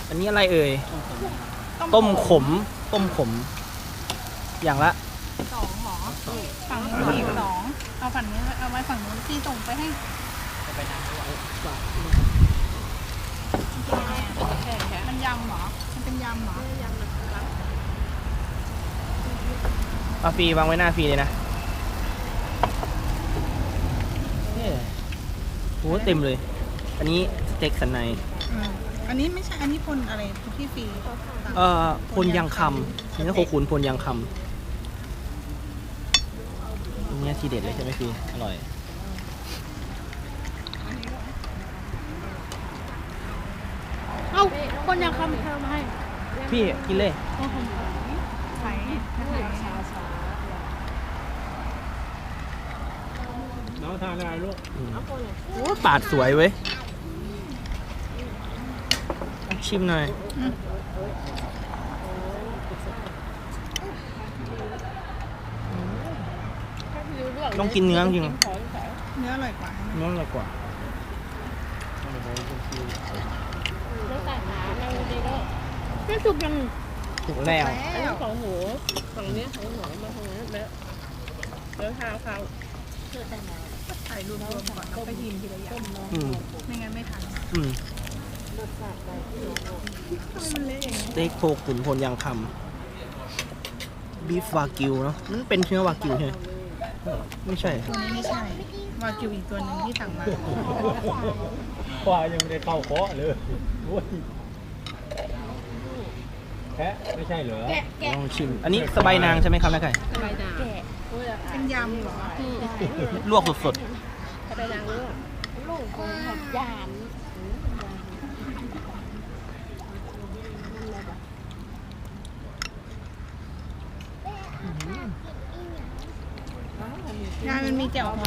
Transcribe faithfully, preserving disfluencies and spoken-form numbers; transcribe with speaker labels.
Speaker 1: อันนี้อะไรเอ่ยต้มขมต้มขมอย่างละ
Speaker 2: สองหรอฝั่งนี้อีกสองเอาฝั่งนี้เอาไว้ฝั่งนู้นที่ส่งไปให้มันยำหรอมันเป็นยำหรอยำนะครับ
Speaker 1: เอาฟรีวางไว้หน้าฟรีเลยนะโอ้เต็มเลยอันนี้สเต็กสันใน
Speaker 2: อันนี้ไม่ใช่อันนี้พลอะไรที่ฟรี
Speaker 1: เอ่อพลยังคำเนื้อโคขุนพลยังคำอันนี้ทีเด็ดเลยใช่ไหมพี่อร่อย
Speaker 3: เอ้าคนยังคำเธอมาให้
Speaker 1: พี่กินเลย
Speaker 2: ไข่ไข่ชาชา
Speaker 4: น้องทานอะไรลูก
Speaker 1: โอ้ปาดสวยเว้ยชิมหน่อยต้องกินเนื้อจริง
Speaker 2: เนื้ออร่อยกว่า
Speaker 1: เนื้ออร่อยกว่า
Speaker 3: แล้วแต่หาในนี้ก็ไม่สุกยัง
Speaker 1: ถูกแล้ว
Speaker 3: อันนี้ของหูฝั่งนี้ของหัวมาตรงนี้แล้วแล้วทาเขา
Speaker 2: ถ่ายรวมๆก่อนแล้วไปกินทีละอย่างไม่งั้นไม่ทัน
Speaker 1: อืม
Speaker 2: มันเละอย่างนี้
Speaker 1: สเต็กโคขุนพลยังคำบีฟวากิวเนาะนั่นเป็นเนื้อวากิวใช่ไหมไม่ใช่
Speaker 2: ตัวนี้ไม่ใช่วากิวอีกตัวหนึ่งที่สั่งมา
Speaker 4: ควายยังไม่ได้เข้าเคาะเลยแพะไม่ใช่เหรอ
Speaker 1: ลองชิมอันนี้สบายนางใช่ไหมครับน้าไก่
Speaker 3: สบายนาง
Speaker 2: เป็นยำเหรอ
Speaker 1: ลวกสด
Speaker 3: สบายนางลวกลูกคนหัดยาน
Speaker 2: งานมันมีแจ่ว